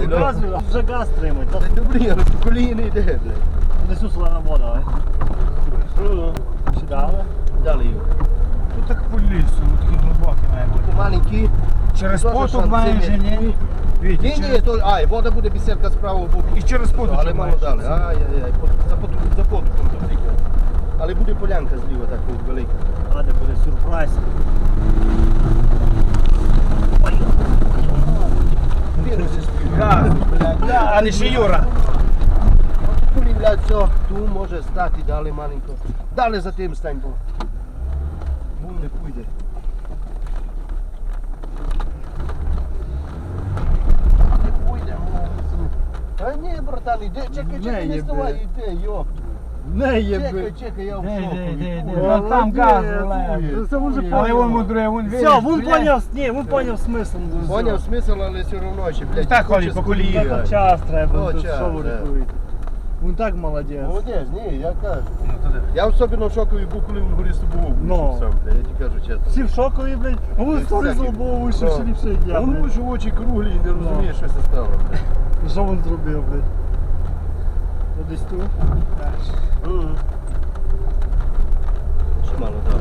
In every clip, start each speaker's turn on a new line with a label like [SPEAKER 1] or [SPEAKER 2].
[SPEAKER 1] Показую, вже газ тримать.
[SPEAKER 2] Та добрі, але по колії не йде, блядь.
[SPEAKER 1] Несу солена вода, сідали.
[SPEAKER 2] Далі його.
[SPEAKER 3] Тут так по лісу, такий глибокий має бути.
[SPEAKER 2] Маленький.
[SPEAKER 3] Через
[SPEAKER 2] Тоже
[SPEAKER 3] поток має
[SPEAKER 2] шанси
[SPEAKER 3] вже,
[SPEAKER 2] є.
[SPEAKER 3] ні? Вітя,
[SPEAKER 2] Ні, то, вода буде бісідка з правого боку.
[SPEAKER 3] І через поток
[SPEAKER 2] Але мало далі. Ай-яй-яй, за потоком то тільки. Але буде полянка зліва так велика.
[SPEAKER 1] А де буде сюрприз.
[SPEAKER 3] А не ще Юра.
[SPEAKER 2] Полівляють все, ту може стати далі маленько. Далі за тим стань, бо вон не пойде. Не пойде, а ні, братан, іди, чекай, не вставай, іди, йоп.
[SPEAKER 1] Не єби.
[SPEAKER 2] Чекай, я в
[SPEAKER 3] Де,
[SPEAKER 2] шоку.
[SPEAKER 3] ну там газ вилає.
[SPEAKER 1] Це вже
[SPEAKER 3] Але він мудрує, він вірить.
[SPEAKER 1] Все, він поняв, ні, він поняв смисл.
[SPEAKER 2] Поняв смисл, але все одно ще, блядь.
[SPEAKER 3] Так ходить по колії.
[SPEAKER 1] Так час треба,
[SPEAKER 2] О,
[SPEAKER 1] тут
[SPEAKER 2] час,
[SPEAKER 1] що ви
[SPEAKER 2] да.
[SPEAKER 1] рахуєте. Він так молодець.
[SPEAKER 2] Молодець, ні, я кажу. Я особливо в шокові був, коли він горі з тобою
[SPEAKER 1] Ну.
[SPEAKER 2] сам, блядь, я тобі кажу чесно.
[SPEAKER 1] Всі в шокові, блядь. А він стори з лобового вийшов, ще ліпше як я,
[SPEAKER 2] Він
[SPEAKER 1] блядь.
[SPEAKER 2] може очі круглі і не розуміє, що це стало, блядь.
[SPEAKER 1] Що він зробив, блядь? Ну, десь тут.
[SPEAKER 2] Ще мало дав.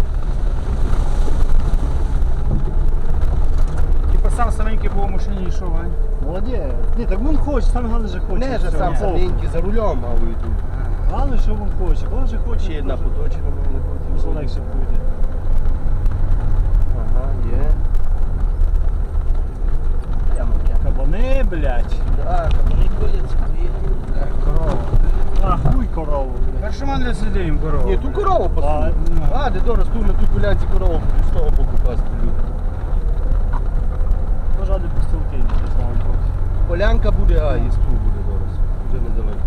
[SPEAKER 3] Типа сам саменький був у машині йшов, а?
[SPEAKER 1] Молодець. Ні, так він хоче, саме головне, що хоче.
[SPEAKER 2] Не же
[SPEAKER 1] Все,
[SPEAKER 2] сам
[SPEAKER 1] ні.
[SPEAKER 2] саменький за рулем, а вийду.
[SPEAKER 1] Головне, що він хоче. Він же хоче.
[SPEAKER 2] Ще одна поточена має бути.
[SPEAKER 1] Все легше буде.
[SPEAKER 2] Ага, є.
[SPEAKER 1] Кабани, блядь.
[SPEAKER 2] Так, кабани ходять.
[SPEAKER 3] Корова.
[SPEAKER 1] А, хуй корову, блядь.
[SPEAKER 3] Перший мандри слідуємо корову.
[SPEAKER 2] Ні, ту корову
[SPEAKER 1] А,
[SPEAKER 2] посуну.
[SPEAKER 1] ну.
[SPEAKER 2] А, де дорос, ту на ту полянці корову будуть з того боку пасти люди.
[SPEAKER 1] Може, ради постілки не знаю.
[SPEAKER 2] Полянка буде, а і стул буде дорос. Вже недалеко.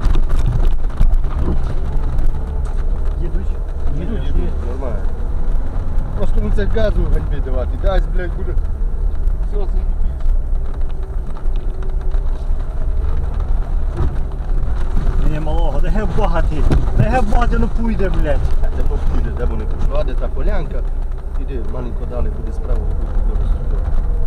[SPEAKER 1] Їдуть.
[SPEAKER 2] Їдуть, нормально. Просто ну це газу ганьбі давати. Дасть, блядь, буде. Все, це
[SPEAKER 1] Ні, малого, де геб багатий. Де геб багатий, ну пуйде, блядь.
[SPEAKER 2] де попуде, де вони пішло, а де та полянка. Іди, маленько далі буде справа, буде дорос туди.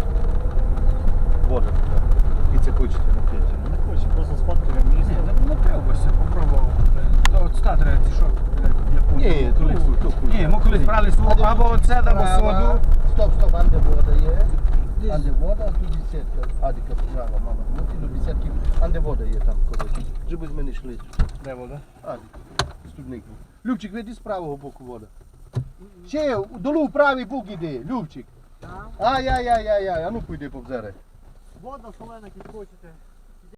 [SPEAKER 2] Вода туди. І це хочете на п'яті.
[SPEAKER 1] Не хоче, просто сфоткає місце.
[SPEAKER 3] Ні, ну пивбося, попробував. То от ста треба, ці що?
[SPEAKER 2] Ні, то хуй.
[SPEAKER 3] Ні, ми колись брали свого, або оце, або соду.
[SPEAKER 2] Стоп, а де вода є? А де вода, а тут десятка. А де справа, мама. Ну ти до десятки. А де вода є там, коротше. Щоб з мене йшли.
[SPEAKER 1] Де вода?
[SPEAKER 2] А, студник. Любчик, веди з правого боку вода. Ще долу в правий бок іди, Любчик.
[SPEAKER 1] Так.
[SPEAKER 2] Ай-яй-яй-яй, а ну пойди повзере.
[SPEAKER 1] Вода солена, як хочете.